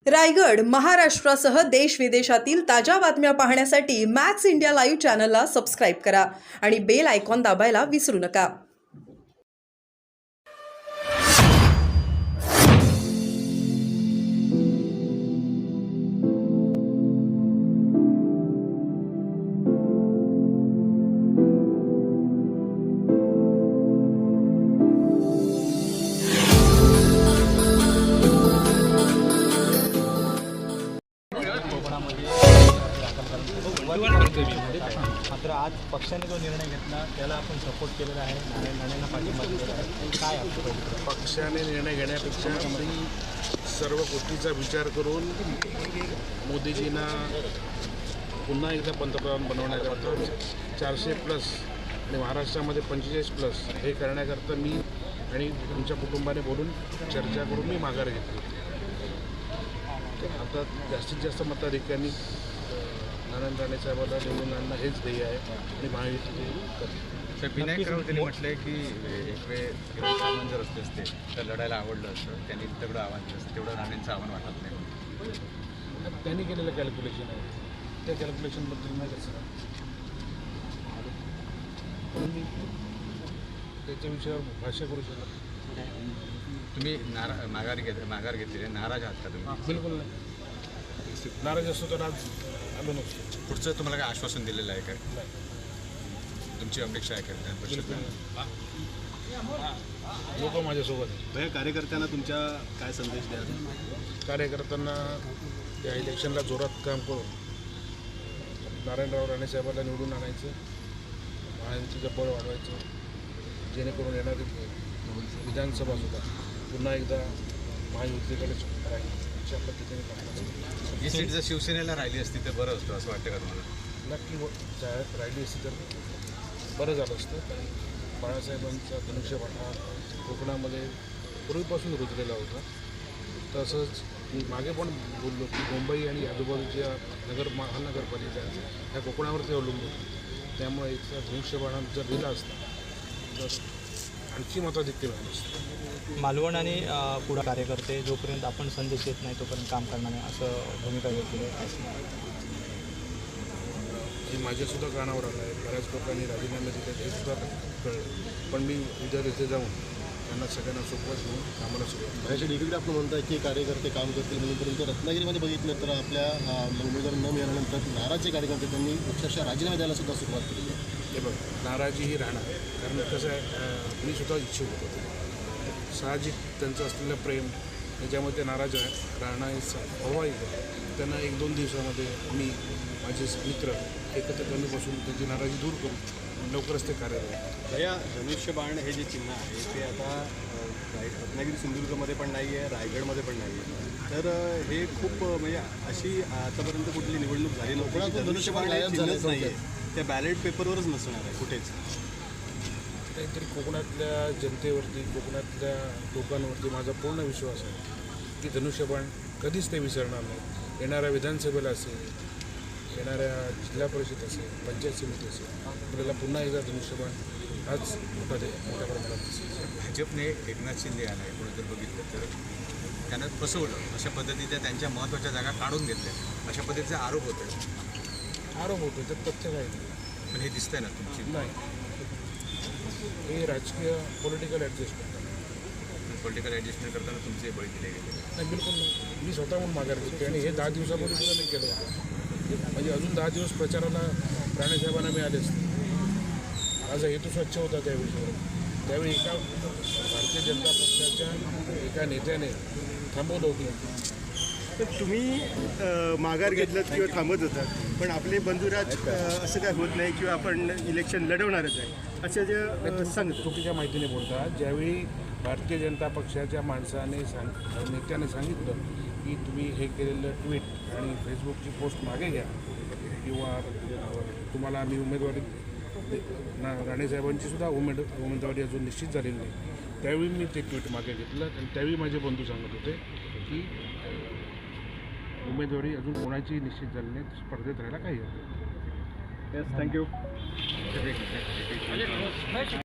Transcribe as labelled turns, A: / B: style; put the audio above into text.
A: रायगड, महाराष्ट्रासह देश विदेशातील ताज्या बातम्या पाहण्यासाठी मॅक्स इंडिया लाईव्ह चॅनलला सबस्क्राईब करा आणि बेल आयकॉन दाबायला विसरू नका.
B: मात्र आज पक्षाने जो निर्णय घेतला त्याला आपण सपोर्ट केलेला आहे. नारायणांना पाठिंबा दिलेला आहे. काय आपलं
C: पक्षाने निर्णय घेण्यापेक्षा मी सर्व गोष्टीचा विचार करून मोदीजींना पुन्हा एकदा पंतप्रधान बनवण्याकरता 400+ आणि महाराष्ट्रामध्ये 45+ हे करण्याकरता मी आणि तुमच्या कुटुंबाने बोलून चर्चा करून मी माघार घेतली. आता जास्तीत जास्त मताधिक्यांनी नारायण राणे साहेबांना निवडून आणणं हेच ध्येय आहे आणि महायुती करते.
D: विनायक राऊतांनी म्हटलं आहे की एक वेळ सामान जर असते तर लढायला आवडलं असतं. त्यांनी तेवढं आव्हान केलं असतं, तेवढं राणेंचं आव्हान वाटत नाही.
C: त्यांनी केलेलं कॅल्क्युलेशन आहे, त्या कॅल्क्युलेशनबद्दल नाही कसं मी त्याच्या विषयावर भाष्य करू शकत.
D: तुम्ही माघार घेतली आहे, नाराज आहात का तुम्ही?
C: बिलकुल नाही. नाराज असतो तर आज आलो नसतो.
D: पुढचं तुम्हाला काय आश्वासन दिलेलं आहे काय? तुमची अपेक्षा आहे काय?
C: लोक माझ्यासोबत आहेत.
B: भैया, कार्यकर्त्यांना तुमच्या काय संदेश द्याल?
C: कार्यकर्त्यांना त्या इलेक्शनला जोरात काम करून नारायणराव राणे साहेबांना निवडून आणायचं, महायुतीचं बळ वाढवायचं, जेणेकरून येणारी विधानसभासुद्धा पुन्हा एकदा महायुतीकडे राहील अशा पद्धतीने काम.
D: ही सीट जर शिवसेनेला राहिली असती तर बरं असतं असं वाटतं का तुम्हाला?
C: नक्की राहिली असती तर बरं झालं असतं. कारण बाळासाहेबांचा धनुष्यबाण हा कोकणामध्ये पूर्वीपासून रुजलेला होता. तसंच मी मागे पण बोललो की मुंबई आणि आजूबाजूच्या महानगरपालिका ह्या कोकणावरती अवलंबून, त्यामुळे इथला धनुष्यबाण जर दिला असता तर आणखी मताधिक्य मिळालं असतं.
B: मालवण आणि पुढे कार्यकर्ते जोपर्यंत आपण संदेश येत नाही तोपर्यंत काम करणार नाही असं भूमिका घेतली आहे.
C: हे माझ्यासुद्धा कानावर आलं आहे. बऱ्याच लोकांनी राजीनामे दिले हे सुद्धा कळलं. पण मी उद्या तिथे जाऊन त्यांना सगळ्यांना सोबत घेऊन कामाला सुरुवात.
E: बाहेरच्या डिग्रीकडे आपण म्हणताय की कार्यकर्ते काम करतील म्हणून, परंतु रत्नागिरीमध्ये बघितलं तर आपल्या उमेदवार न मिळाल्यानंतर नाराजचे कार्यकर्ते त्यांनी अक्षरशः राजीनामे द्यायला सुद्धा सुरुवात केली आहे.
C: हे बघ, नाराजी ही राहणार. कारण कसं आहे, मी सुद्धा इच्छुक होतो. साहजिक त्यांचं असलेलं प्रेम त्याच्यामध्ये ते नाराज राहणं स्वाभाविक आहे. त्यांना 1-2 दिवसामध्ये मी माझे मित्र एकत्र कमी बसून त्यांची नाराजी दूर करू लवकरच ते कार्यरत.
E: या धनुष्यबाण हे जे चिन्ह आहे ते आता रत्नागिरी सिंधुदुर्गमध्ये पण नाही आहे, रायगडमध्ये पण नाही आहे. तर हे खूप म्हणजे अशी आतापर्यंत कुठली निवडणूक झाली नव्हती. धनुष्यबाण चिन्हच नाही आहे, त्या बॅलेट पेपरवरच नसणार आहे कुठेच.
C: काहीतरी कोकणातल्या जनतेवरती, कोकणातल्या लोकांवरती माझा पूर्ण विश्वास आहे की धनुष्यबाण कधीच ते विसरणार नाही. येणाऱ्या विधानसभेला असेल, येणाऱ्या जिल्हा परिषद असेल, पंचायत समिती असेल, आपल्याला पुन्हा एकदा धनुष्यबाण हाच मोठ्या प्रमाणात दिसेल.
D: भाजपने एकनाथ शिंदे यांना एकूण जर बघितलं तर त्यांना फसवलं, अशा पद्धतीच्या त्यांच्या महत्त्वाच्या जागा काढून घेतल्या, अशा पद्धतीचे आरोप होते.
C: आरोप होतो तर तथ्य काही नाही.
D: पण हे दिसतंय ना तुमची
C: नाही, हे राजकीय पॉलिटिकल ॲडजस्टमेंट आहे.
D: पॉलिटिकल ॲडजस्टमेंट करताना तुमचे बळी दिले गेले.
C: नाही, बिलकुल नाही. मी स्वतःहून माघार घेतली आणि हे 10 दिवसापूर्वी सुद्धा मी केलं होतं. म्हणजे अजून 10 दिवस प्रचाराला राणेसाहेबांना मिळाले असते. माझा हेतू स्वच्छ होता त्या विषयावर. त्यावेळी एका भारतीय जनता पक्षाच्या एका नेत्याने थांबवलं होतं.
F: तर तुम्ही माघार घेतलं किंवा थांबत होतात, पण आपले बंधुराज असं काय होत नाही किंवा आपण इलेक्शन लढवणारच आहे असं जे सांगतो.
C: चुकीच्या माहितीने बोलतात. ज्यावेळी भारतीय जनता पक्षाच्या माणसाने नेत्याने सांगितलं की तुम्ही हे केलेलं ट्विट आणि फेसबुकची पोस्ट मागे घ्या किंवा तुम्हाला आम्ही उमेदवारी राणेसाहेबांची सुद्धा उमेदवारी अजून निश्चित झालेली नाही, त्यावेळी मी ते ट्विट मागे घेतलं. आणि त्यावेळी माझे बंधू सांगत होते की उमेदवारी अजून कोणाची निश्चित झाली नाही, स्पर्धेत राहायला काही हरकत नाही.
F: थँक्यू.